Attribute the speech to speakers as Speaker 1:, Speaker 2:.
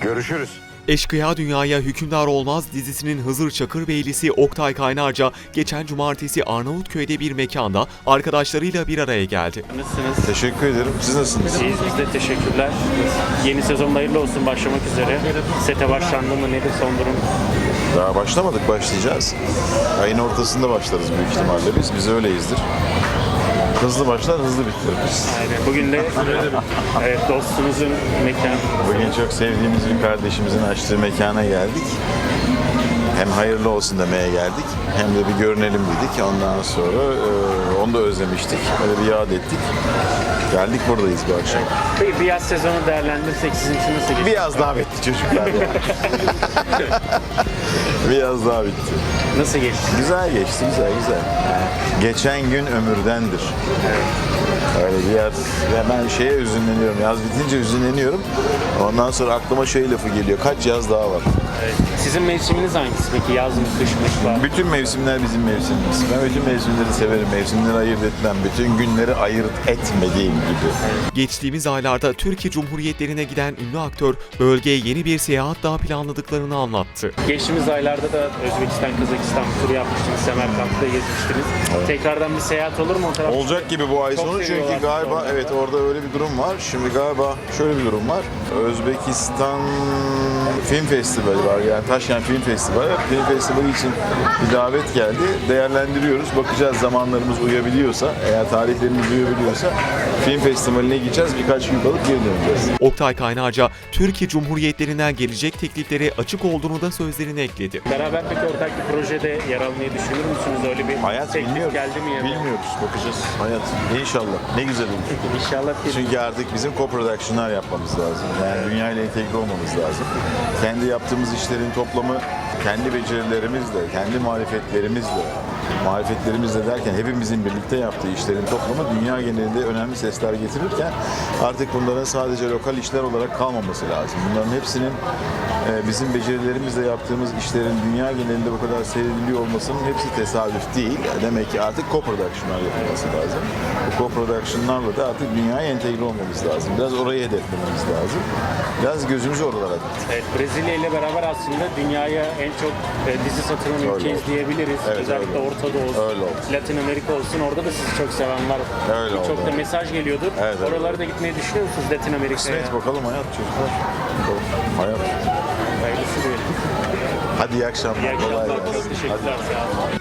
Speaker 1: Görüşürüz.
Speaker 2: Eşkıya Dünyaya Hükümdar Olmaz dizisinin Hızır Çakırbeylisi Oktay Kaynarca geçen cumartesi Arnavutköy'de bir mekanda arkadaşlarıyla bir araya geldi.
Speaker 3: Nasılsınız?
Speaker 1: Teşekkür ederim. Siz nasılsınız?
Speaker 3: İyiyiz biz de teşekkürler. Yeni sezonda hayırlı olsun başlamak üzere. Sete başlandı mı nedir son durum?
Speaker 1: Daha başlamadık, başlayacağız. Ayın ortasında başlarız büyük ihtimalle biz. Biz öyleyizdir. Hızlı başlar, hızlı bitiririz.
Speaker 3: Aynen. Bugün de evet, dostunuzun mekanı.
Speaker 1: Bugün çok sevdiğimiz bir kardeşimizin açtığı mekana geldik. Hem hayırlı olsun demeye geldik, hem de bir görünelim dedik. Ondan sonra onu da özlemiştik. Öyle bir yad ettik. Geldik, buradayız bu akşam.
Speaker 3: Peki bir yaz sezonu değerlendirsek sizin için nasıl geçti?
Speaker 1: Bir yaz daha bitti çocuklar ya. Bir yaz daha bitti.
Speaker 3: Nasıl geçti?
Speaker 1: Güzel geçti, güzel. Geçen gün ömürdendir. Öyle bir yaz. Ya ben şeye üzünleniyorum. Yaz bitince üzünleniyorum. Ondan sonra aklıma şey lafı geliyor. Kaç yaz daha var?
Speaker 3: Evet. Sizin mevsiminiz hangisi peki? Yaz mı, kış mı? Var?
Speaker 1: Bütün mevsimler bizim mevsimimiz. Ben bütün mevsimleri severim. Mevsimleri ayırt etmem. Bütün günleri ayırt etmediğim gibi.
Speaker 2: Geçtiğimiz aylarda Türkiye Cumhuriyetlerine giden ünlü aktör bölgeye yeni bir seyahat daha planladıklarını anlattı.
Speaker 3: Geçtiğimiz aylarda da Özbekistan, Kazakistan turu yapmıştınız. Semerkant'ta gezmiştiniz. Tekrardan bir seyahat olur mu o tarafta?
Speaker 1: Olacak gibi bu ay
Speaker 3: Çok
Speaker 1: sonu çünkü
Speaker 3: seviyorlar
Speaker 1: galiba
Speaker 3: orada.
Speaker 1: evet orada öyle bir durum var. Şimdi galiba şöyle bir durum var. Özbekistan Film Festivali var, yani Taşkent Film Festivali. Film Festivali için bir davet geldi. Değerlendiriyoruz. Bakacağız zamanlarımız uyabiliyorsa, eğer tarihlerimiz uyabiliyorsa film festivaline gideceğiz. Birkaç gün kalıp geri döneceğiz.
Speaker 2: Oktay Kaynarca, Türkiye Cumhuriyetlerinden gelecek tekliflere açık olduğunu da sözlerine ekledi.
Speaker 3: Beraber peki ortak bir projede yer almayı düşünür müsünüz? Öyle bir
Speaker 1: Hayat
Speaker 3: teklif
Speaker 1: bilmiyoruz.
Speaker 3: geldi mi ya da?
Speaker 1: Bilmiyoruz. Bakacağız. Hayat. İnşallah. Ne güzel olur.
Speaker 3: İnşallah bir
Speaker 1: Çünkü artık bizim co-production'lar yapmamız lazım. Yani dünyayla entegre olmamız lazım. Kendi yaptığımız işlerin toplamı kendi becerilerimizle, kendi marifetlerimizle derken hepimizin birlikte yaptığı işlerin toplamı dünya genelinde önemli sesler getirirken artık bunların sadece lokal işler olarak kalmaması lazım. Bunların hepsinin bizim becerilerimizle yaptığımız işlerin dünya genelinde bu kadar seyrediliyor olmasının hepsi tesadüf değil. Demek ki artık co-production'lar yapılması lazım. Bu co-production'larla da artık dünyaya entegre olmamız lazım. Biraz orayı hedeflememiz lazım. Biraz gözümüzü oralara diktik.
Speaker 3: Evet, Brezilya ile beraber aslında dünyaya en çok dizi satılan ülkeyiz
Speaker 1: oldu.
Speaker 3: diyebiliriz.
Speaker 1: Evet,
Speaker 3: Özellikle
Speaker 1: öyle oldu.
Speaker 3: Orta Doğu,
Speaker 1: Öyle oldu.
Speaker 3: Latin Amerika olsun. Orada da sizi çok seven var.
Speaker 1: Öyle oldu.
Speaker 3: Çok da mesaj geliyordur.
Speaker 1: Evet, evet.
Speaker 3: Oralara da gitmeyi düşünüyor musunuz Latin Amerika'ya?
Speaker 1: Kısmet bakalım hayat çocuklar. Bakalım. Hayat.
Speaker 3: Hayırlısı diyelim.
Speaker 1: Hadi iyi akşamlar.
Speaker 3: İyi akşamlar.
Speaker 1: Kolay gelsin.
Speaker 3: Çok teşekkürler. Sağ olun.